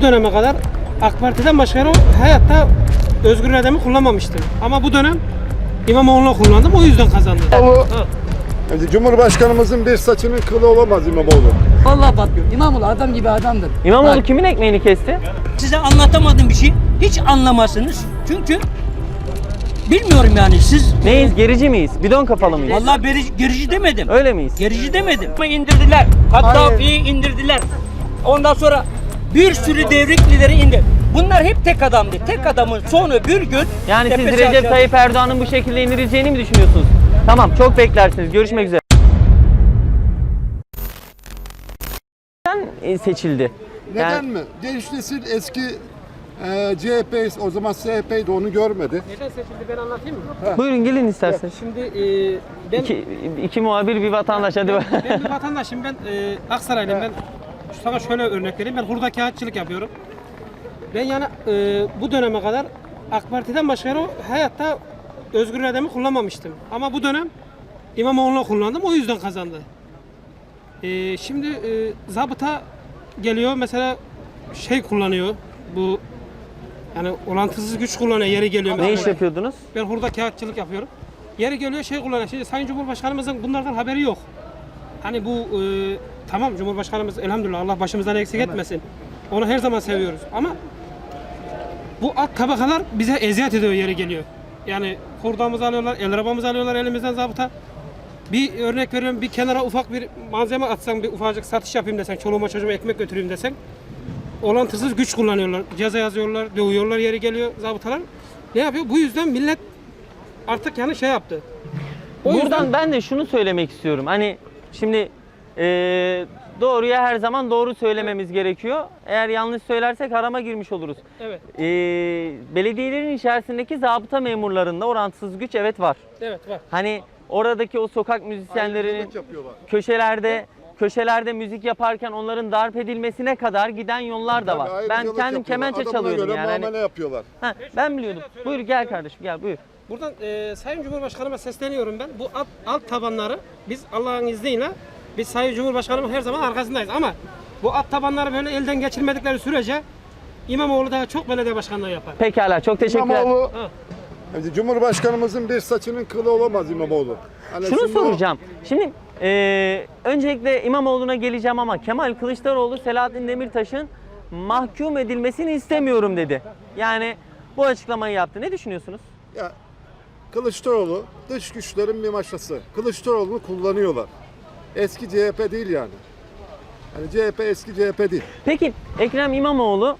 bu döneme kadar AK Parti'den başka yere hayatta özgür irademi kullanmamıştım. Ama bu dönem İmamoğlu'na kullandım, o yüzden kazandım. Cumhurbaşkanımızın bir saçının kılı olamaz İmamoğlu. Vallahi patlıyor. İmamoğlu adam gibi adamdır. İmamoğlu Bak, kimin ekmeğini kesti? Size anlatamadığım bir şey hiç anlamazsınız. Çünkü bilmiyorum yani siz. Neyiz? Gerici miyiz? Bidon kafalı mıyız? Vallahi gerici demedim. Öyle miyiz? Gerici demedim. Ama indirdiler. Kaddafi'yi indirdiler. Ondan sonra bir sürü devrik lideri indi. Bunlar hep tek adamdı. Tek adamın sonu bir gün Yani siz tepesi Recep aşağı. Tayyip Erdoğan'ın bu şekilde indirileceğini mi düşünüyorsunuz? Tamam, çok beklersiniz. Görüşmek üzere. Seçildi. Neden mi? Genç nesil eski CHP, o zaman CHP'ydi, onu görmedi. Neden seçildi ben anlatayım mı? Buyurun gelin isterseniz. Şimdi ben İki muhabir bir vatandaş hadi. ben bir vatandaşım, ben Aksaraylıyım. Ben sana şöyle örnek vereyim, ben hurda kağıtçılık yapıyorum. Ben yani bu döneme kadar AK Parti'den başka yere hayatta özgür irademi kullanmamıştım. Ama bu dönem İmamoğlu'na kullandım, o yüzden kazandı. Şimdi zabıta geliyor mesela, şey kullanıyor, bu yani orantısız güç kullanıyor, yeri geliyor. Ne mesela. iş yapıyordunuz? Ben hurda kağıtçılık yapıyorum. Yeri geliyor şey kullanıyor. Şimdi Sayın Cumhurbaşkanımızın bunlardan haberi yok. Hani bu tamam, Cumhurbaşkanımız elhamdülillah, Allah başımızdan eksik etmesin. Onu her zaman seviyoruz ama bu alt tabakalar bize eziyet ediyor, yeri geliyor. Yani hurdamızı alıyorlar, el arabamızı alıyorlar elimizden zabıta. Bir örnek veriyorum, bir kenara ufak bir malzeme atsan, bir ufacık satış yapayım desen, çoluğuma çocuğuma ekmek götüreyim desen, orantısız güç kullanıyorlar. Ceza yazıyorlar, dövüyorlar, yeri geliyor zabıtalar. Ne yapıyor? Bu yüzden millet artık yani şey yaptı. O Buradan yüzden ben de şunu söylemek istiyorum. Hani şimdi doğruya her zaman doğru söylememiz gerekiyor. Eğer yanlış söylersek harama girmiş oluruz. evet, Belediyelerin içerisindeki zabıta memurlarında orantısız güç evet var. evet var. Hani oradaki o sokak müzisyenlerinin Ayrımcılık yapıyorlar. köşelerde müzik yaparken onların darp edilmesine kadar giden yollar da var. Tabii, Ben ayrımcılık kendim yapıyorlar. kemençe Adamına çalıyordum göre yani. Hani- muamele yapıyorlar. Ha, ben biliyordum. Buyur gel kardeşim gel buyur. Buradan Sayın Cumhurbaşkanıma sesleniyorum ben. Bu alt tabanları biz Allah'ın izniyle, biz Sayın Cumhurbaşkanımın her zaman arkasındayız ama bu alt tabanları böyle elden geçirmedikleri sürece İmamoğlu daha çok belediye başkanlığı yapar. Pekala çok teşekkürler. İmamoğlu, Ha. Cumhurbaşkanımızın bir saçının kılı olamaz İmamoğlu. Hani Şunu şimdi o- soracağım. Şimdi öncelikle İmamoğlu'na geleceğim ama Kemal Kılıçdaroğlu Selahattin Demirtaş'ın mahkum edilmesini istemiyorum dedi. Yani bu açıklamayı yaptı. Ne düşünüyorsunuz? Ya, Kılıçdaroğlu dış güçlerin bir maşası. Kılıçdaroğlu'nu kullanıyorlar. Eski CHP değil yani. Yani CHP eski CHP değil. Peki Ekrem İmamoğlu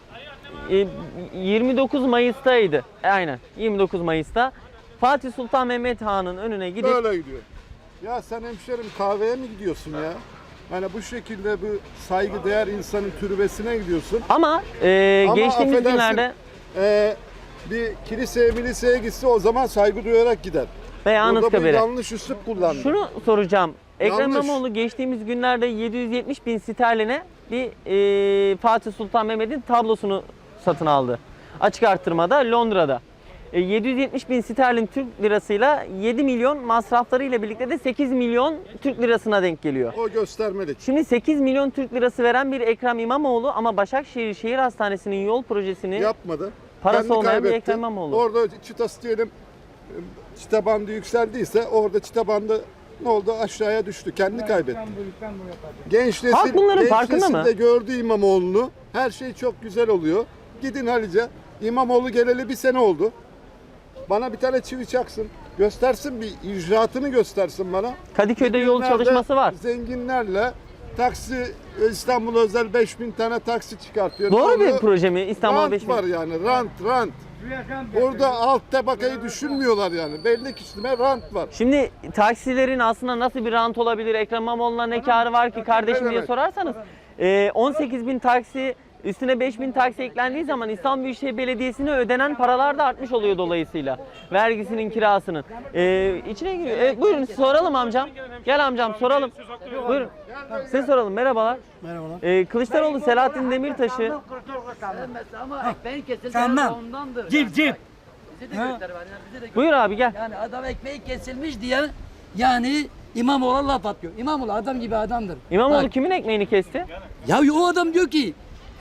29 Mayıs'taydı. Aynen 29 Mayıs'ta Fatih Sultan Mehmet Han'ın önüne gidip Böyle gidiyor. Ya sen hemşerim kahveye mi gidiyorsun ya? Yani bu şekilde bu saygıdeğer insanın türbesine gidiyorsun. ama Ama geçtiğimiz affedersin, günlerde bir kiliseye miliseye gitse o zaman saygı duyarak gider. veya Burada bir Anıtkabir'e. yanlış üslup kullandı. Şunu soracağım. Ekrem Yanlış. İmamoğlu geçtiğimiz günlerde 770 bin sterline bir Fatih Sultan Mehmet'in tablosunu satın aldı. Açık artırmada Londra'da. 770 bin sterlin Türk lirasıyla 7 milyon masraflarıyla birlikte de 8 milyon Türk lirasına denk geliyor. O göstermelik. Şimdi 8 milyon Türk lirası veren bir Ekrem İmamoğlu ama Başakşehir Şehir Hastanesi'nin yol projesini Yapmadı. parası Kendi olmayan bir kaybetti. Ekrem İmamoğlu. Orada çıtası diyelim, çıta bandı yükseldiyse orada çıta bandı ne oldu? Aşağıya düştü. Kendi kaybetti. Genç nesil, Halk bunların genç farkında nesil mı? de gördü İmamoğlu'nu. Her şey çok güzel oluyor. Gidin Halice. İmamoğlu geleli bir sene oldu. Bana bir tane çivi çaksın. Göstersin, bir icraatını göstersin bana. Kadıköy'de yol Bugünlerde çalışması var. Zenginlerle taksi, İstanbul özel 5000 tane taksi çıkartıyor. Doğru Ne oluyor? bir proje mi? İstanbul Rant 5 var yani, rant. Burada alt tabakayı düşünmüyorlar yani. Belli kişime rant var. Şimdi taksilerin aslında nasıl bir rant olabilir? Ekrem İmamoğlu'na ne karı var ki kardeşim diye demek? sorarsanız 18 bin taksi üstüne 5 bin taksi eklendiği zaman İstanbul Büyükşehir Belediyesi'ne ödenen paralar da artmış oluyor dolayısıyla. Vergisinin, kirasının. İçine giriyor. Buyurun soralım amcam. Gel amcam soralım. Buyurun. Size soralım. Merhabalar. Merhabalar. Kılıçdaroğlu Selahattin Demirtaş'ı Ama ekmeğin kesilmesi Senden. ondandır. Cip cip. Bize de göster var. Yani bize de buyur abi gel. Yani adam ekmeği kesilmiş diye yani İmamoğlu'na laf atıyor. İmamoğlu adam gibi adamdır. İmamoğlu Bak, kimin ekmeğini kesti? ya o adam diyor ki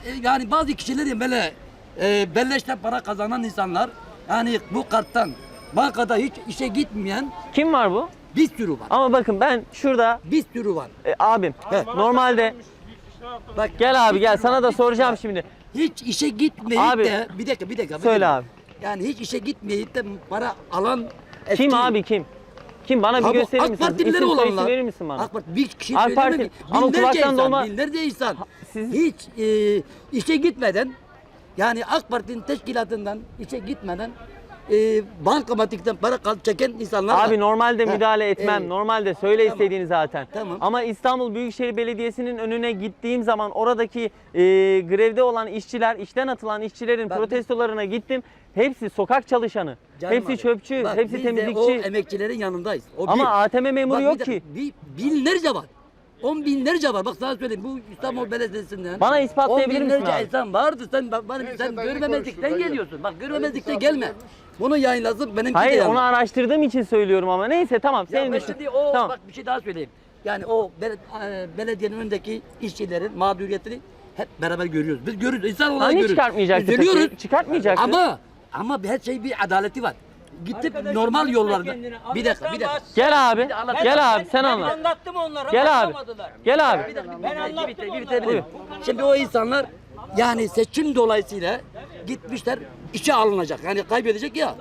yani bazı kişilerin böyle belleşte para kazanan insanlar, yani bu karttan bankada hiç işe gitmeyen Kim var bu? bir sürü var. Ama bakın ben şurada Bir sürü var. abim normalde Bak gel abi gel sana da soracağım şimdi. hiç işe gitmeyip Abi, de bir dakika. Söyle abi. Yani hiç işe gitmeyip de para alan Kim eski- abi kim? Kim bana bir Abi, gösterir AK misiniz? Partililer İsim soyisim olanlar. verir misin bana? AK Parti bir kişi AK söyleme Parti- ki. ama Binlerce kulaktan insan, dolma- binlerce insan siz- hiç işe gitmeden, yani AK Parti'nin teşkilatından işe gitmeden bankamatikten para çeken insanlar var. Abi normalde Ha, müdahale etmem. Normalde söyle Tamam. istediğini zaten. Tamam. Ama İstanbul Büyükşehir Belediyesi'nin önüne gittiğim zaman oradaki grevde olan işçiler, işten atılan işçilerin Ben- protestolarına gittim. Hepsi sokak çalışanı. Canım hepsi abi, çöpçü, bak hepsi biz de o temizlikçi. emekçilerin yanındayız. O Ama bir. ATM memuru Bak, yok bir dakika, ki. Binlerce var. 10 binlerce var. Bak sana söyleyeyim, bu İstanbul Belediyesi'nden. Bana ispatlayabilir 10 misin binlerce abi? insan vardı. Sen dayı görmemezlikten konuşsun, dayı. geliyorsun. Bak görmemezlikten gelme. Bunu yayınlasın, benimki de Hayır yayınla. onu araştırdığım için söylüyorum ama neyse tamam Ya senin ben düşün. şimdi o Tamam. bak bir şey daha söyleyeyim. Yani o belediyenin önündeki işçilerin mağduriyetini hep beraber görüyoruz. Biz görüyoruz. İnsan olarak Hani görüyoruz. çıkartmayacaktı Üzülüyoruz. peki? Çıkartmayacaktı. Ama her şey bir adaleti var. Gidip normal yollarda. Bir dakika. Gel abi. anlat. Gel abi sen Ben anlat. anlattım onlara. Gel abi. anlamadılar. Gel abi. Ben anlattım Bir onlara. bitirebilirim. Şimdi o insanlar yani seçim dolayısıyla gitmişler, işe alınacak. Yani kaybedecek ya.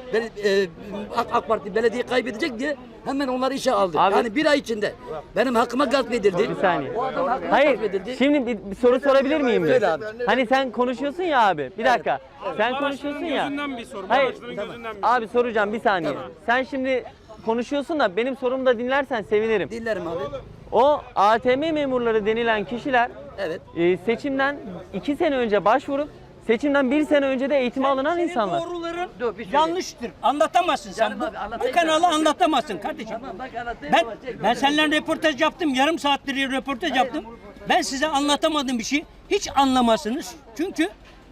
AK Parti belediye kaybedecek diye hemen onları işe aldı. Abi- Yani bir ay içinde benim hakkıma gasp edildi. Bir saniye. O adam hakkıma Hayır. gasp edildi. Şimdi bir soru sorabilir miyim? Söyle abi. Hani sen konuşuyorsun ya abi. Bir dakika. Sen konuşuyorsun ya. Gözünden bir soru. Hayır. Bağışların gözünden bir Abi soracağım bir saniye. Sen şimdi konuşuyorsun da benim sorumu da dinlersen sevinirim. Dinlerim abi. O ATM memurları denilen kişiler Evet. seçimden 2 sene önce başvurup seçimden 1 sene önce de eğitime alınan Senin insanlar. doğruların Dur, bir şey yanlıştır. Anlatamazsın sen. Canım Bu, abi, bu anlatayım kanalı ben. anlatamazsın kardeşim. Tamam bak anlatayım ama çek. Ben seninle röportaj yaptım. Yarım saattir röportaj yaptım. Ben size anlatamadığım bir şey hiç anlamazsınız. Çünkü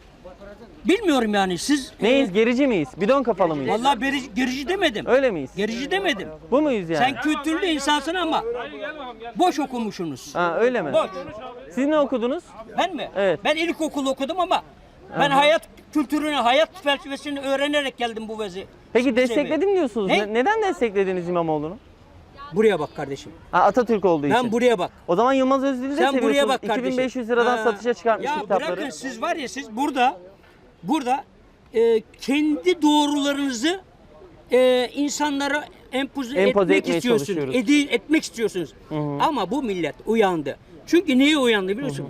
bilmiyorum yani siz Neyiz? Gerici miyiz? Bidon kafalı mıyız? vallahi gerici demedim. Öyle miyiz? Gerici demedim. Bu muyuz yani? Sen kültürlü insansın ama boş okumuşsunuz. Ha öyle mi? Boş. Siz ne okudunuz? Ben mi? Evet. Ben ilkokul okudum ama ben hayat kültürünü, hayat felsefesini öğrenerek geldim bu vezi. Peki destekledim diyorsunuz. Ne? Neden desteklediniz İmamoğlu'nu? Buraya bak kardeşim. Ha, Atatürk olduğu için. Ben buraya bak. O zaman Yılmaz Özdil'i de Sen seviyorsunuz. buraya bak kardeşim. 2500 liradan Ha. satışa çıkartmıştı Ya kitapları. bırakın siz var ya siz burada kendi doğrularınızı insanlara empoze Empoze etmek etmeye istiyorsunuz. çalışıyoruz. Etmek istiyorsunuz. Ama bu millet uyandı. Çünkü niye uyandı biliyorsun?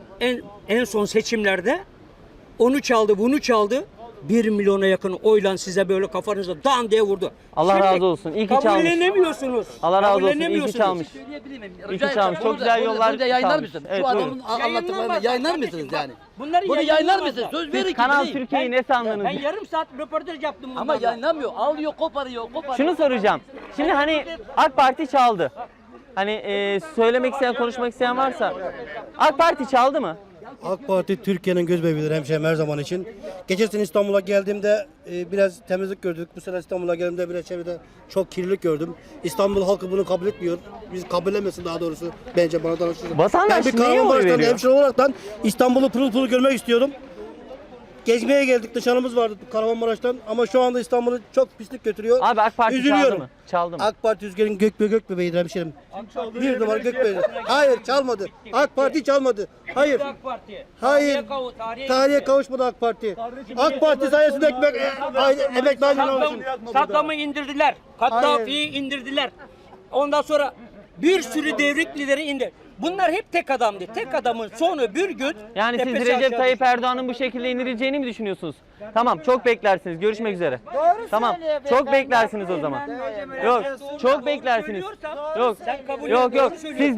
En son seçimlerde onu çaldı, bunu çaldı. 1 milyona yakın oyla size böyle kafanıza dan diye vurdu. Allah razı olsun. İyi ki çalmış. Kabullenemiyorsunuz. Allah razı olsun. İyi ki Kabullenemiyorsunuz. çalmış. Söyleyebilir miyim? İyi ki çalmış. Çok güzel yollar Burada yayınlar çalmış. mısın? Evet, Şu adamın buyurun. anlattıklarını Yayınlanmaz yayınlar kardeşim, mısınız bak. yani? Bunları Bunu yayınlar yayınlanmaz mısınız? bak. Söz verin ki Kanal değil. Türkiye'yi ne sandınız? Ben yarım saat röportaj yaptım bunlarla. Ama yayınlamıyor. Alıyor, koparıyor. Şunu soracağım. Şimdi hani AK Parti çaldı. Hani söylemek isteyen, konuşmak isteyen varsa. AK Parti çaldı mı? AK Parti Türkiye'nin göz bebeğidir hemşehrim her zaman için. Geçen sene İstanbul'a geldiğimde biraz temizlik gördük. Bu sene İstanbul'a geldiğimde biraz çevrede çok kirlilik gördüm. İstanbul halkı bunu kabul etmiyor. Biz kabullenmesin daha doğrusu. Bence bana danışırsın. Vatandaş Ben bir neye oy Kahramanmaraş'tan veriyor? hemşire olaraktan İstanbul'u pırıl pırıl görmek istiyorum. Gezmeye geldik, nişanımız vardı Kahramanmaraş'tan ama şu anda İstanbul'u çok pislik götürüyor. Abi AK Parti çaldı Üzülüyorum. mı? Çaldı mı? AK Parti Rüzgar'ın gök bebeğidir hemşerim. Bir numara gök bebeğidir. Hayır çalmadı. AK Parti çalmadı. Hayır. AK Parti. Hayır. Tarihe kavuşmadı AK Parti. AK Parti sayesinde emekli ayrılmışım. Saddam'ı indirdiler. Kaddafi'yi indirdiler. Ondan sonra bir sürü devrik lideri indir. Bunlar hep tek adamdı. Tek adamın sonu bir gün Yani siz tepesi Recep aşağı Tayyip düştü. Erdoğan'ın bu şekilde indirileceğini mi düşünüyorsunuz? Tamam, çok beklersiniz. Görüşmek üzere. Tamam, çok beklersiniz o zaman. Yok, çok beklersiniz. Yok, Sen kabul yok, et, yok. doğru söylüyorsun.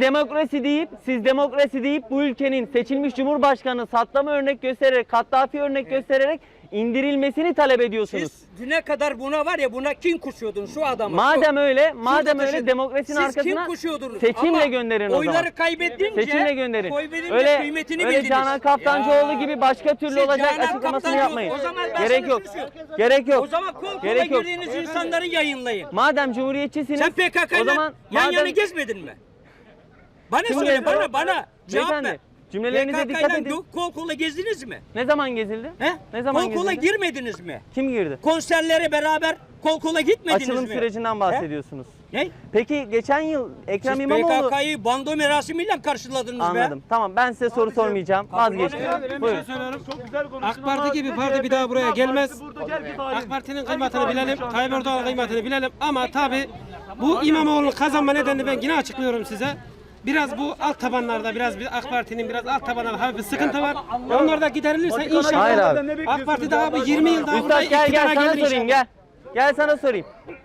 Siz demokrasi deyip bu ülkenin seçilmiş Cumhurbaşkanı Saddam'ı örnek göstererek, Kaddafi örnek göstererek indirilmesini talep ediyorsunuz. Siz düne kadar buna var ya buna kin kuşuyordunuz şu adamı. Madem öyle, madem Şurada öyle taşın. demokrasinin Siz arkasına kim kuşuyordunuz? seçimle Ama gönderin o zaman. oyları kaybedince, Seçimle gönderin. oy verince Öyle, kıymetini öyle bildiniz. Canan Kaftancıoğlu Ya. gibi başka türlü Siz olacak Canan açıklamasını Kaftancıoğlu, yapmayın. o zaman ben Gerek sana yok. şunu söyleyeyim. Gerek yok. O zaman kol kola Gerek yok. girdiğiniz insanları yayınlayın. Madem cumhuriyetçisiniz, Sen PKK'yla o zaman yan madem- yana gezmedin mi? Bana Kim söyle, gezdi? bana cevap Beyefendi, ver. Cümlelerinize dikkat edin. Kol kola gezdiniz mi? Ne zaman gezildi? He? Ne zaman Kol kola gezildi? girmediniz mi? Kim girdi? Konserlere beraber kol kola gitmediniz Açılım mi? sürecinden bahsediyorsunuz. Ne? Peki geçen yıl Ekrem Siz İmamoğlu... PKK'yı bando merasimiyle karşıladınız be. Anladım. Tamam, ben size soru sormayacağım. Vazgeçtim. Ben bir şey Buyurun. söylüyorum. AK Parti gibi parti bir daha buraya gelmez. AK Parti'nin kıymetini bilelim, Tayyip Erdoğan'ın kıymetini bilelim. Ama tabi bu İmamoğlu'nun kazanma nedenini ben yine açıklıyorum size. Biraz bu alt tabanlarda, biraz AK Parti'nin biraz alt tabanlarda hafif bir sıkıntı var. Onlar da giderilirse inşallah Hayır abi. AK Parti daha bu 20 yıl daha burada Üstad gel iktidara sana gelir sorayım inşallah. gel. Gel sana sorayım.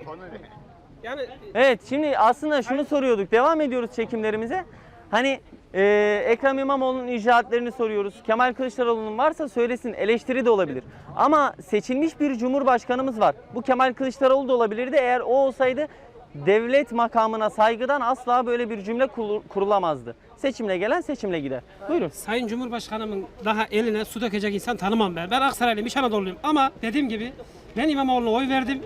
Yani Evet, şimdi aslında şunu soruyorduk. Devam ediyoruz çekimlerimize. Hani Ekrem İmamoğlu'nun icraatlerini soruyoruz. Kemal Kılıçdaroğlu'nun varsa söylesin, eleştiri de olabilir. Ama seçilmiş bir cumhurbaşkanımız var. Bu Kemal Kılıçdaroğlu da olabilirdi. Eğer o olsaydı devlet makamına saygıdan asla böyle bir cümle kurulamazdı. Seçimle gelen seçimle gider. Buyurun. Sayın Cumhurbaşkanımın daha eline su dökecek insan tanımam ben. Ben Aksaraylıyım, İç Anadolu'luyum ama dediğim gibi ben İmamoğlu'na oy verdim.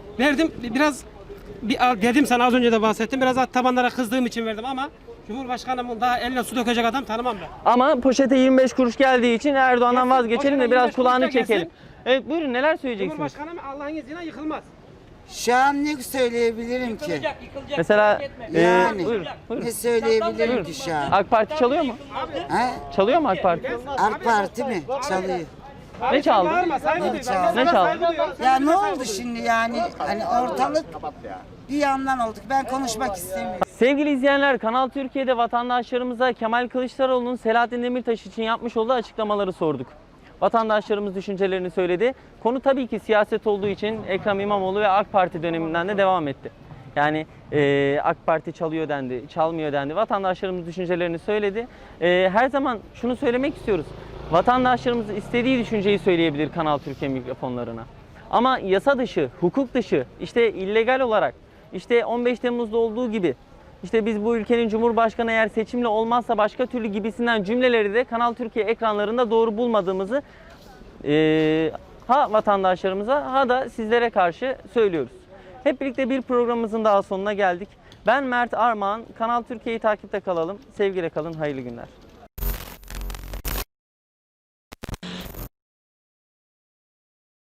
Biraz dedim sana az önce de bahsettim. Biraz alt tabanlara kızdığım için verdim ama Cumhurbaşkanımın daha eline su dökecek adam tanımam ben. Ama poşete 25 kuruş geldiği için Erdoğan'dan vazgeçelim de biraz 25 kulağını kuruşa gelsin. çekelim. Evet, buyurun, neler söyleyeceksiniz? Cumhurbaşkanım Allah'ın izniyle yıkılmaz. Şu an ne söyleyebilirim ki? Yıkılacak. Mesela Yani buyurun, buyurun. ne söyleyebilirim ki şu an? AK Parti çalıyor mu? Ha? Çalıyor mu AK Parti? AK Parti mi? Çalıyor. Ne çaldı? Bağırma, saygı duy. Ben sana Ne çaldı? saygı duyuyorum. Ya ne oldu şimdi yani? Hani ortalık bir yandan olduk. Ben konuşmak istemiyorum. Sevgili izleyenler, Kanal Türkiye'de vatandaşlarımıza Kemal Kılıçdaroğlu'nun Selahattin Demirtaş için yapmış olduğu açıklamaları sorduk. Vatandaşlarımız düşüncelerini söyledi. Konu tabii ki siyaset olduğu için Ekrem İmamoğlu ve AK Parti döneminden de devam etti. Yani AK Parti çalıyor dendi, çalmıyor dendi. Vatandaşlarımız düşüncelerini söyledi. Her zaman şunu söylemek istiyoruz. Vatandaşlarımız istediği düşünceyi söyleyebilir Kanal Türkiye mikrofonlarına. Ama yasa dışı, hukuk dışı, işte illegal olarak, işte 15 Temmuz'da olduğu gibi, işte biz bu ülkenin Cumhurbaşkanı eğer seçimle olmazsa başka türlü gibisinden cümleleri de Kanal Türkiye ekranlarında doğru bulmadığımızı ha vatandaşlarımıza ha da sizlere karşı söylüyoruz. Hep birlikte bir programımızın daha sonuna geldik. Ben Mert Armağan. Kanal Türkiye'yi takipte kalalım. Sevgiyle kalın, hayırlı günler.